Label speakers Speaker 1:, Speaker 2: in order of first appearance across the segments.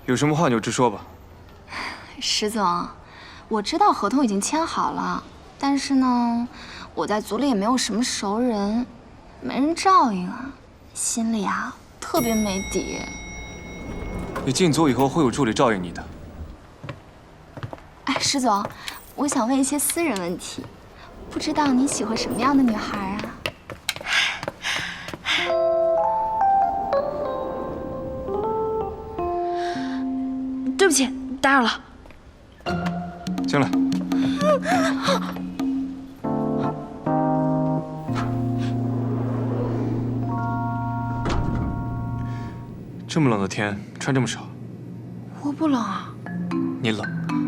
Speaker 1: 有什么话你就直说吧。
Speaker 2: 石总，我知道合同已经签好了，但是呢，我在组里也没有什么熟人，没人照应啊，心里啊特别没底。
Speaker 1: 你进组以后会有助理照应你的。
Speaker 2: 哎，石总，我想问一些私人问题，不知道你喜欢什么样的女孩啊？
Speaker 3: 对不起，打扰了。
Speaker 1: 进来。这么冷的天，穿这么少。
Speaker 3: 我不冷啊。
Speaker 1: 你冷。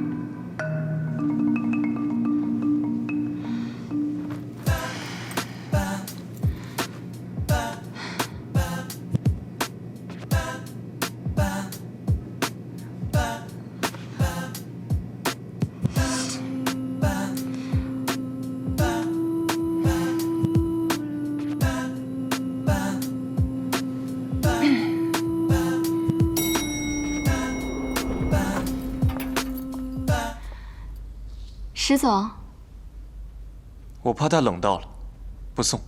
Speaker 2: 石总，
Speaker 1: 我怕他冷到了，不送。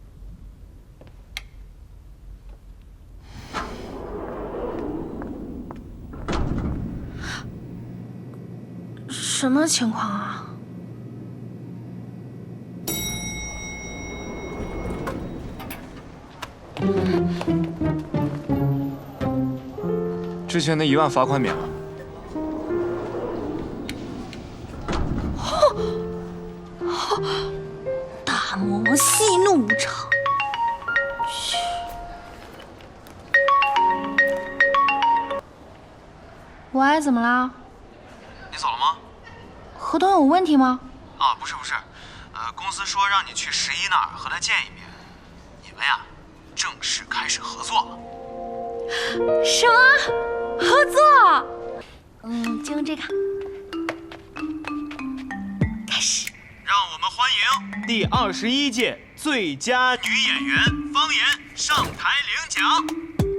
Speaker 3: 什么情况啊？
Speaker 1: 之前那1万罚款免了。
Speaker 3: 大魔王息怒无常。喂，怎么啦？
Speaker 4: 你走了吗？
Speaker 3: 合同有问题吗？
Speaker 4: 啊，不是，公司说让你去11那儿和他见一面，你们呀，正式开始合作了。
Speaker 3: 什么？合作？就用这个。开始。
Speaker 4: 让我们欢迎第21届最佳女演员方言上台领奖。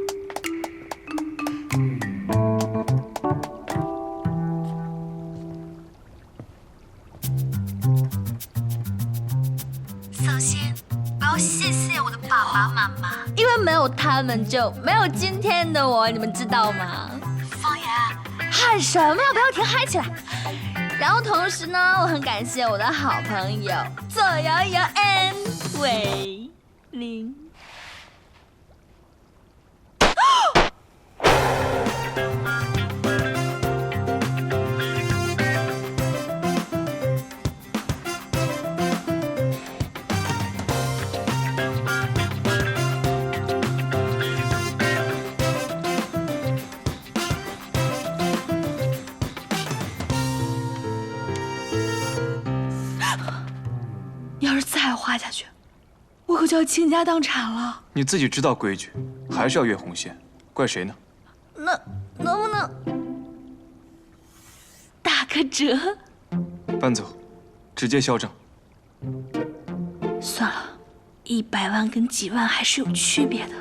Speaker 3: 首先，我要谢谢我的爸爸妈妈，因为没有他们就没有今天的我，你们知道吗？方言，喊什么呀？不要停，嗨起来！然后同时呢，我很感谢我的好朋友左摇摇 and 伟林。要是再画下去，我可就要倾家荡产了。
Speaker 1: 你自己知道规矩，还是要越红线，怪谁呢？
Speaker 3: 那能不能打个折？
Speaker 1: 搬走，直接销账。
Speaker 3: 算了，100万跟几万还是有区别的。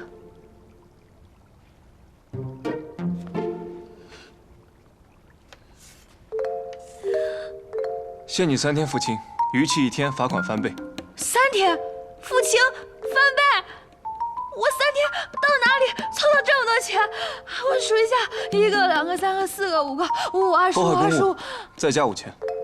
Speaker 1: 限你3天付清，逾期1天罚款翻倍。
Speaker 3: 3天，付清翻倍，我3天到哪里凑到这么多钱？我数一下，1个、2个、3个、4个、5个，55、25、25，
Speaker 1: 再加5000。